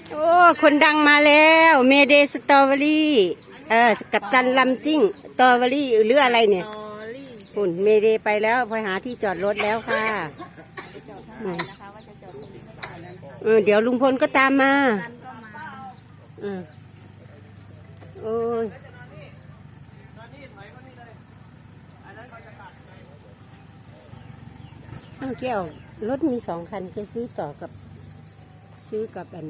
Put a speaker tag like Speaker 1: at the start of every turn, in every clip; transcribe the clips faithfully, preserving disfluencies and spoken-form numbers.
Speaker 1: โอ้คนดังมาแล้วเมเดสตรอเบอรี่เออกับตันลำซิ่งสตรอเบอรี่หรืออะไรเนี่ยฝุ่นเมเดไปแล้วพอหาที่จอดรถแล้วค่ะเออเดี๋ยวลุงพลก็ตามมาเออโอ้ยน้องแก้วรถมีสองคันจะซื้อต่อกับซื้อกับอัน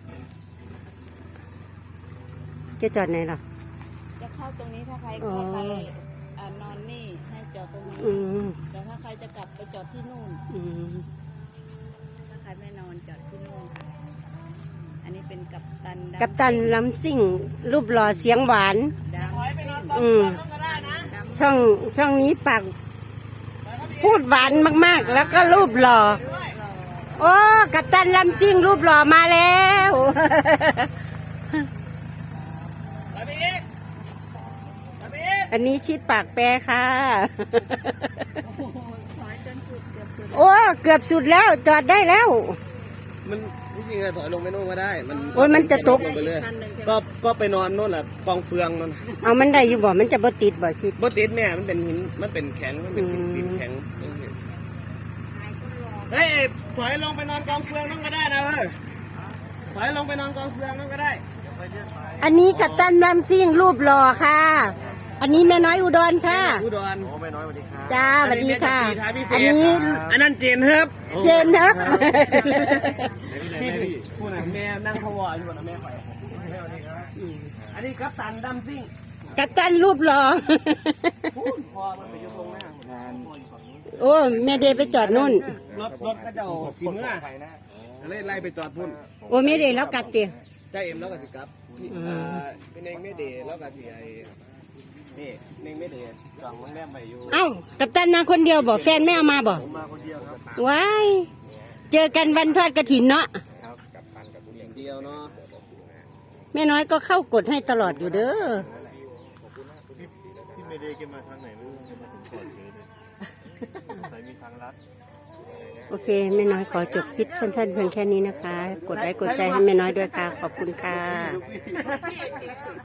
Speaker 1: จะจอดไหนล่ะ
Speaker 2: จะเข้าตรงนี้ถ้าใครถ้าใครนอนนี่ให้จอดตรงนี้แต่ถ้าใครจะกลับไปจอดที่นู่นถ้าใครไม่นอนจอดที่นู่นอันนี้เป็นกัปตัน
Speaker 1: กัปตันลำซิ่งรูปหล่อเสียงหวานอืมช่องช่องนี้ปากพูดหวานมากๆแล้วก็รูปหล่อโอ้กัปตันลำซิ่งรูปหล่อมาแล้วอันนี้ชิดปากแปรค่ะโอ้เกือบสุดแล้วจอดได้แล้ว
Speaker 3: มันที่จริงอะถอยลงไปโน่นก็ได้มัน
Speaker 1: โอ้ยมันจะตก
Speaker 3: ไปเลยก็ก็ไปนอนโน่นแหละกองเฟืองนั่น
Speaker 1: เอามันได้อยู่บ่มันจะบ่ติดบ่ชิด
Speaker 3: บ่ติดเนี่ยมันเป็นหินมันเป็นแข็งมันเป็นดินแข็งเฮ้ยถอยลงไปนอนกองเฟืองนั่นก็ได้นะเว้ยถอยลงไปนอนกองเฟืองนั่นก็ได้
Speaker 1: อันนี้กัปตันลำซิ่งรูปหล่อค่ะอันนี้แม่น้อยอุดรค่ะ
Speaker 3: อุดรโอ้แม่น้อยสวัสดีค่ะ
Speaker 1: จ้าสวัสดีค่ะ
Speaker 3: อันนี้อันนั้นเจนครับ
Speaker 1: เจนครับ
Speaker 3: ผู้ไหนแม่นั่งพวออยู่บนแม่ไปอันนี้กัปตันดำซิ่ง
Speaker 1: กัปตันรูปหล่อ
Speaker 3: พอมันไปอยู่ตรงหน้า
Speaker 1: โอ้แม่เดไปจอดนู่น
Speaker 3: รถรถก็จะสีเมื่อไล่ไล่ไปจอดพุ่น
Speaker 1: โอ้แม่เดแล้วกลับเตี๋ย
Speaker 3: ใจเอ็มแล้วก็สิกับพี่เองไม่เดแล้วก็สิไอนี่เองไม่เดจองโรงแรมไปอยู่
Speaker 1: เอ้ากัปตันมาคนเดียวบอกแฟนไม่เอามาบอก
Speaker 3: มาคนเดียวครับ
Speaker 1: ว้ายเจอกันวันทอดกฐินเนาะ
Speaker 3: ครับกับปันกับผู้หญิงเดียวเนาะ
Speaker 1: แม่น้อยก็เข้ากดให้ตลอดอยู่เด้อ
Speaker 4: พี่ไม่ได้เก็บมาทางไหนไม่รู้มาถึงก่อนเฉยเลยใส่มีทางลัด
Speaker 1: โอเคแม่น้อยขอจบคลิปสั้นๆเพียงแค่นี้นะคะกดไลค์กดแชร์ให้แม่น้อยด้วยค่ะขอบคุณค่ะ